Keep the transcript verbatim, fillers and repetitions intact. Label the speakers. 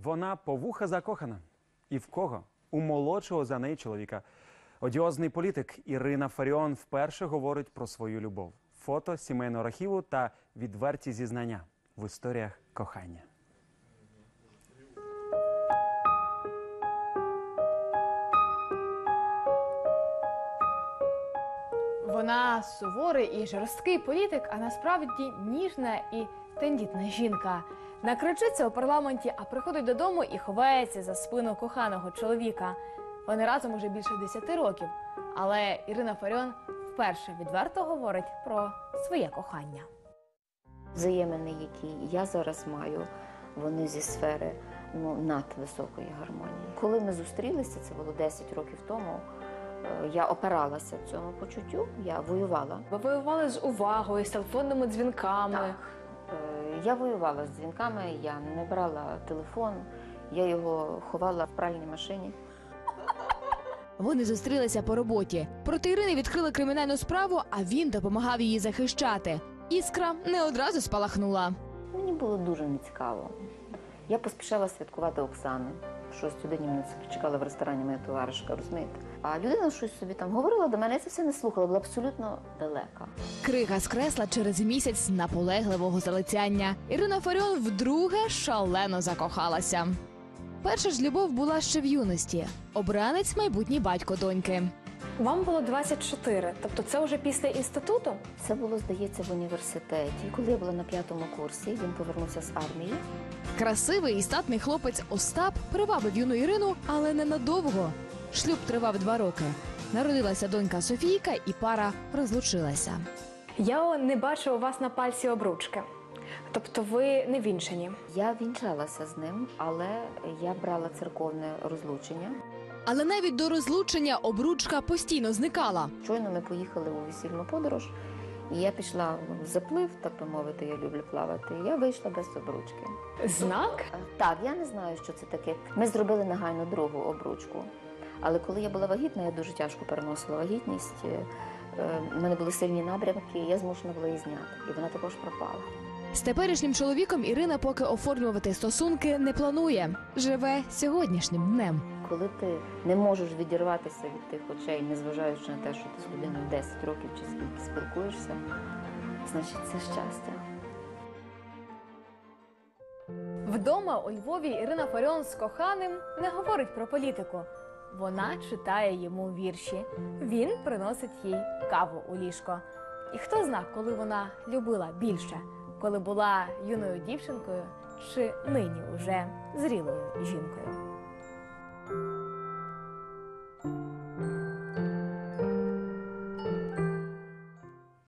Speaker 1: Вона по вуха закохана. І в кого? У молодшого за неї чоловіка. Одіозний політик Ірина Фаріон вперше говорить про свою любов. Фото сімейного архіву та відверті зізнання в історіях кохання.
Speaker 2: Вона суворий і жорсткий політик, а насправді ніжна і тендітна жінка. Накричиться у парламенті, а приходить додому і ховається за спину коханого чоловіка. Вони разом уже більше десяти років. Але Ірина Фаріон вперше відверто говорить про своє кохання.
Speaker 3: Взаємини, які я зараз маю, вони зі сфери ну, надвисокої гармонії. Коли ми зустрілися, це було десять років тому, я опиралася цьому почуттю, я воювала.
Speaker 2: Ви воювали з увагою, з телефонними дзвінками.
Speaker 3: Так. Я воювала з дзвінками, я не брала телефон, я його ховала в пральній машині.
Speaker 4: Вони зустрілися по роботі. Проти Ірини відкрили кримінальну справу, а він допомагав її захищати. Іскра не одразу спалахнула.
Speaker 3: Мені було дуже нецікаво. Я поспішала святкувати Оксани. В шостій годині мене чекала в ресторані моя товаришка, розумієте? А людина щось собі там говорила до мене, я це все не слухала, була абсолютно далека.
Speaker 4: Крига скресла через місяць наполегливого залицяння. Ірина Фаріон вдруге шалено закохалася. Перша ж любов була ще в юності. Обранець – майбутній батько доньки.
Speaker 2: Вам було двадцять чотири, тобто це вже після інституту?
Speaker 3: Це було, здається, в університеті. Коли я була на п'ятому курсі, він повернувся з армії.
Speaker 4: Красивий і статний хлопець Остап привабив юну Ірину, але ненадовго. Шлюб тривав два роки. Народилася донька Софійка і пара розлучилася.
Speaker 2: Я не бачу у вас на пальці обручки. Тобто ви не вінчані?
Speaker 3: Я вінчалася з ним, але я брала церковне розлучення.
Speaker 4: Але навіть до розлучення обручка постійно зникала.
Speaker 3: Щойно ми поїхали у весільну подорож, і я пішла в заплив, так би мовити, я люблю плавати, і я вийшла без обручки.
Speaker 2: Знак?
Speaker 3: Так, я не знаю, що це таке. Ми зробили негайно другу обручку. Але коли я була вагітна, я дуже тяжко переносила вагітність. У мене були сильні набрямки, я змушена була її зняти. І вона також пропала.
Speaker 4: З теперішнім чоловіком Ірина поки оформлювати стосунки не планує. Живе сьогоднішнім днем.
Speaker 3: Коли ти не можеш відірватися від тих очей, незважаючи на те, що ти з людиною десять років чи скільки спілкуєшся, значить це щастя.
Speaker 2: Вдома у Львові Ірина Фаріон з коханим не говорить про політику. Вона читає йому вірші. Він приносить їй каву у ліжко. І хто зна, коли вона любила більше, коли була юною дівчинкою чи нині уже зрілою жінкою.